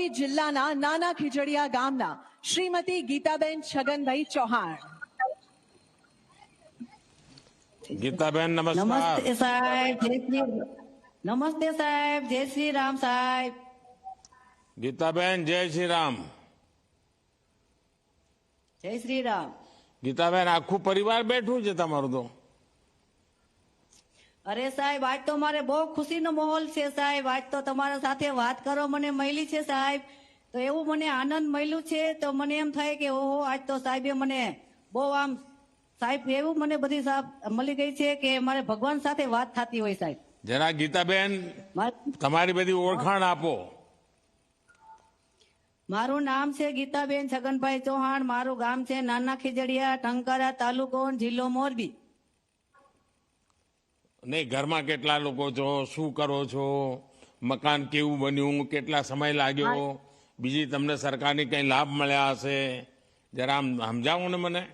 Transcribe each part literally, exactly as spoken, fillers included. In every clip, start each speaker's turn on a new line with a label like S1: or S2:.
S1: મોરબી જિલ્લાના નાના ખીજડીયા ગામના શ્રીમતી ગીતાબેન છગનભાઈ ચૌહાણ.
S2: ગીતાબેન નમસ્કાર.
S3: નમસ્તે સાહેબ, જય શ્રી નમસ્તે સાહેબ, જય શ્રી રામ સાહેબ.
S2: ગીતાબેન જય શ્રી રામ.
S3: જય શ્રી રામ.
S2: ગીતાબેન આખું પરિવાર બેઠું છે તમારું તો.
S3: અરે સાહેબ, આજ તો મારે બહુ ખુશીનો માહોલ છે સાહેબ. આજ તો તમારા સાથે વાત કરવા મને મળી છે સાહેબ, તો એવું મને આનંદ મળ્યું છે. તો મને એમ થાય કે ઓહો, આજ તો સાહેબે મને બહુ આમ સાહેબ એવું મને બધી સાહેબ મળી ગઈ છે કે મારે ભગવાન સાથે વાત થતી હોય સાહેબ.
S2: જરા ગીતાબેન
S3: માર-
S2: તમારી બધી ઓળખાણ આપો.
S3: મારું નામ છે ગીતાબેન છગનભાઈ ચૌહાણ. મારું ગામ છે નાના ખીજડીયા, ટંકારા તાલુકો, જિલ્લો મોરબી.
S2: નહીં, ઘરમાં કેટલા લોકો છો, શું કરો છો, મકાન કેવું બન્યું, કેટલા સમય લાગ્યો, બીજી તમને સરકારની કઈ લાભ મળ્યા હશે, જરા આમ સમજાવો ને મને.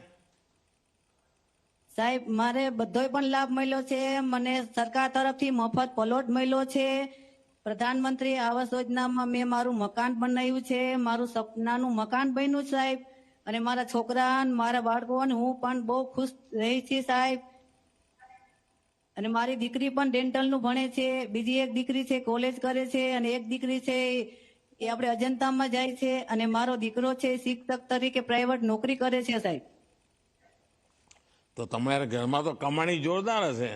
S3: સાહેબ, મારે બધોય પણ લાભ મળ્યો છે. મને સરકાર તરફથી મફત પ્લોટ મળ્યો છે. પ્રધાનમંત્રી આવાસ યોજનામાં મેં મારું મકાન બનાવ્યું છે. મારું સપનાનું મકાન બન્યું સાહેબ. અને મારા છોકરા અને મારા બાળકો અને હું પણ બહુ ખુશ રહી છું સાહેબ. અને મારી દીકરી પણ ડેન્ટલનું ભણે છે. બીજી એક દીકરી છે કોલેજ કરે છે, અને એક દીકરી છે એ આપણે અજંતામાં જાય છે. અને મારો દીકરો છે શિક્ષક તરીકે પ્રાઇવેટ નોકરી કરે છે સાહેબ.
S2: તો તમારા ઘરમાં તો કમાણી જોરદાર હશે.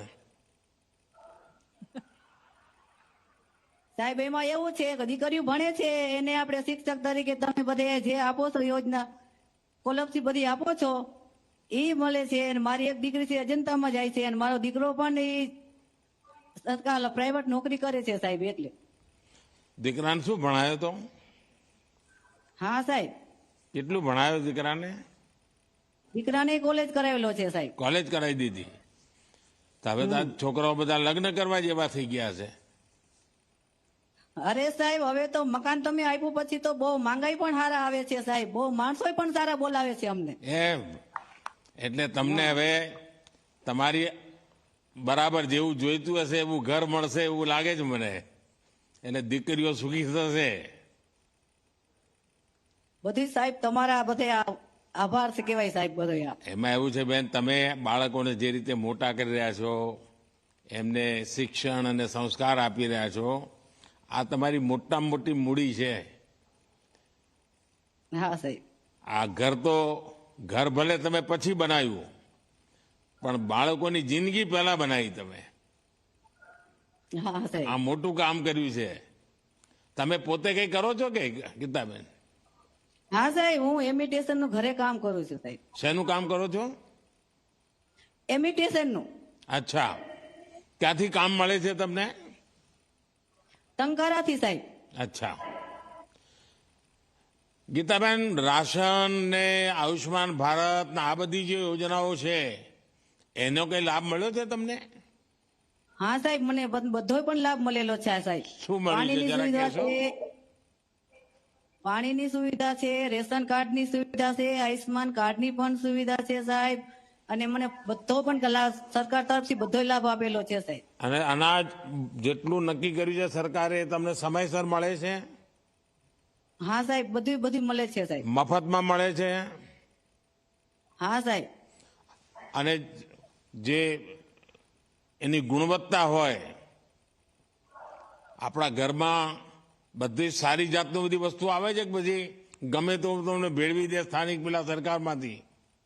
S3: સાહેબ, એમાં એવું છે કે દીકરીઓ ભણે છે એને આપણે શિક્ષક તરીકે તમે બધે જે આપો છો યોજના સ્કોલરશીપ બધી આપો છો એ મળે છે. અને મારી એક દીકરી છે અજંતામાં જાય છે, અને મારો દીકરો પણ એ સરકાર પ્રાઇવેટ નોકરી કરે છે સાહેબ. એટલે
S2: દીકરાને શું ભણાયો તો?
S3: હા સાહેબ,
S2: કેટલું ભણાયો દીકરાને?
S3: દીકરાને કોલેજ કરાવેલો છે સાહેબ.
S2: કોલેજ કરાવી દીધી. તો હવે તો આ છોકરાઓ બધા લગ્ન કરવા જેવા થઈ ગયા છે.
S3: અરે સાહેબ, હવે તો મકાન તમે આપ્યું પછી તો બહુ માંગાઈ પણ સારા આવે છે સાહેબ. બહુ માણસો પણ સારા બોલાવે છે અમને.
S2: એમ એટલે તમને હવે તમારી બરાબર જેવું જોઈતું હશે એવું ઘર મળશે એવું લાગે છે મને. એટલે દીકરીઓ સુખી થશે.
S3: બધી સાહેબ તમારા બધે આ- આભાર છે કેવાય સાહેબ બધો.
S2: એમાં એવું છે બેન, તમે બાળકોને જે રીતે મોટા કરી રહ્યા છો, એમને શિક્ષણ અને સંસ્કાર આપી રહ્યા છો, આ તમારી મોટામાં મોટી મૂડી છે.
S3: હા સાહેબ.
S2: આ ઘર તો ઘર ભલે તમે પછી બનાવ્યું, પણ બાળકોની જિંદગી પહેલા બનાવી તમે.
S3: હા સાહેબ.
S2: આ મોટું કામ કર્યું છે. તમે પોતે કઈ કરો છો કે ગીતાબેન?
S3: હા સાહેબ, હું એમિટેશન નું ઘરે કામ કરું છું સાહેબ.
S2: શેનું કામ કરો છો?
S3: એમિટેશન નું.
S2: અચ્છા, ક્યાંથી કામ મળે છે તમને?
S3: ટંકારાથી સાહેબ.
S2: અચ્છા. ગીતાબેન, રાશન ને આયુષ્માન ભારત ને આ બધી જે યોજનાઓ છે એનો કઈ લાભ મળ્યો છે તમને?
S3: હા સાહેબ, મને બધો પણ લાભ મળેલો છે સાહેબ.
S2: શું મળ્યું છે
S3: પાણીની
S2: જરા
S3: સુવિધા
S2: કહેશો?
S3: છે, પાણીની સુવિધા છે, રેશન કાર્ડની સુવિધા છે, આયુષ્માન કાર્ડની પણ સુવિધા છે સાહેબ. અને મને બધો પણ લાભ સરકાર તરફથી બધો લાભ આપેલો છે સાહેબ.
S2: અને અનાજ જેટલું નક્કી કર્યું છે સરકારે એ તમને સમયસર મળે છે?
S3: હા સાહેબ, બધું બધું મળે છે સાહેબ.
S2: મફતમાં મળે છે?
S3: હા સાહેબ.
S2: અને જે એની ગુણવત્તા હોય, આપણા ઘરમાં બધી સારી જાતની બધી વસ્તુ આવે છે કે પછી ગમે તો તમને ભેળવી દે સ્થાનિક પેલા સરકારમાંથી?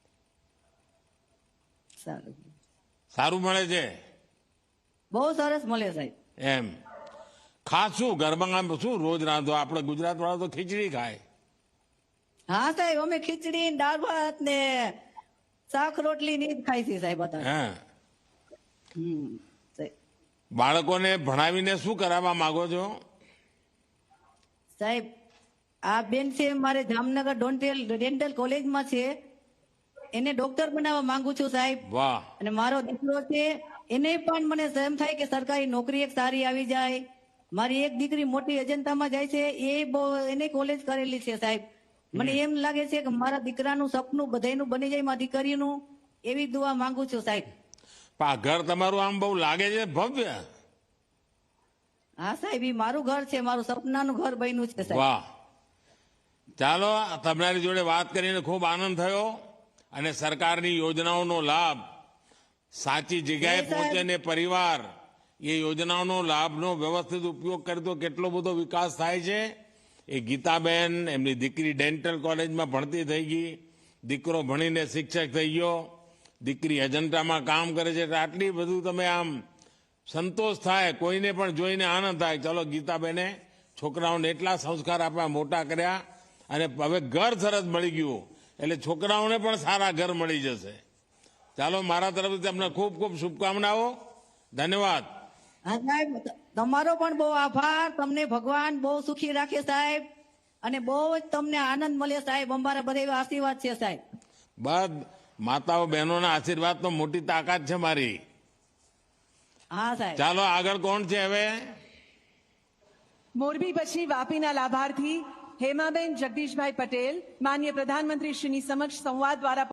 S3: સારું,
S2: સારું મળે છે
S3: બહુ સરસ મળે સાહેબ.
S2: એમ. ખાસ શું ઘરમાં આમ શું રોજ રાંધો? આપણે ગુજરાત વાળા તો ખીચડી ખાય.
S3: હા સાહેબ, અમે ખીચડી ને દાળ ભાત ને શાક રોટલી ની જ ખાઈ છે સાહેબ અત્યારે.
S2: હે,
S3: હમ સાહેબ.
S2: બાળકોને ભણાવીને શું કરાવવા માંગો છો?
S3: સાહેબ, આ બેન છે મારે જામનગર ડોન્ટેલ ડેન્ટલ કોલેજમાં છે, એને ડોક્ટર બનાવવા માંગુ છું સાહેબ.
S2: વાહ.
S3: અને મારો દીકરો છે એને પણ મને એમ થાય કે સરકારી નોકરી એક સારી આવી જાય. મારી એક દીકરી મોટી અજંતામાં જાય છે, એ બહુ એને કોલેજ કરેલી છે સાહેબ. મને એમ લાગે છે કે મારા દીકરાનું સપનું બધાયનું બની જાય, મારી દીકરીનું. એવી દુઆ માંગુ છું સાહેબ.
S2: પણ આ ઘર તમારું આમ બહુ લાગે છે ભવ્ય.
S3: હા સાહેબ, ઈ મારું ઘર છે, મારું સપનાનું ઘર બન્યું છે સાહેબ.
S2: વાહ. ચાલો તમારી જોડે વાત કરીને ખૂબ આનંદ થયો અને સરકારની યોજનાઓનો લાભ સાચી જગ્યાએ
S3: સાહેબ.
S2: પહોંચે ને પરિવાર એ યોજનાઓનો લાભનો વ્યવસ્થિત ઉપયોગ કરે તો કેટલો બધો વિકાસ થાય છે. એ ગીતાબેન એમની દીકરી ડેન્ટલ કોલેજમાં ભણતી થઈ ગઈ, દીકરો ભણીને શિક્ષક થઈ ગયો, દીકરી અજંતામાં કામ કરે છે. એટલે આટલી બધું તમે આમ સંતોષ થાય, કોઈને પણ જોઈને આનંદ થાય. ચલો ગીતાબેને છોકરાઓને એટલા સંસ્કાર આપ્યા, મોટા કર્યા અને હવે ઘર સરસ મળી ગયું એટલે છોકરાઓને પણ સારા ઘર મળી જશે. ચાલો મારા તરફથી તમને ખૂબ ખૂબ શુભકામનાઓ. ધન્યવાદ.
S3: હા સાહેબ, તમારો પણ બહુ આભાર. તમને ભગવાન બહુ સુખી રાખે સાહેબ, અને બહુ જ તમને આનંદ મળે સાહેબ. અમારા બધા એવા આશીર્વાદ છે સાહેબ.
S2: બસ માતાઓ બહેનોના આશીર્વાદ તો મોટી તાકાત છે મારી.
S3: હા સાહેબ.
S2: ચાલો આગળ કોણ છે હવે?
S1: મોરબી પછી વાપીના લાભાર્થી હેમાબેન જગદીશભાઈ પટેલ માનનીય પ્રધાનમંત્રી શ્રીની સમક્ષ સંવાદ દ્વારા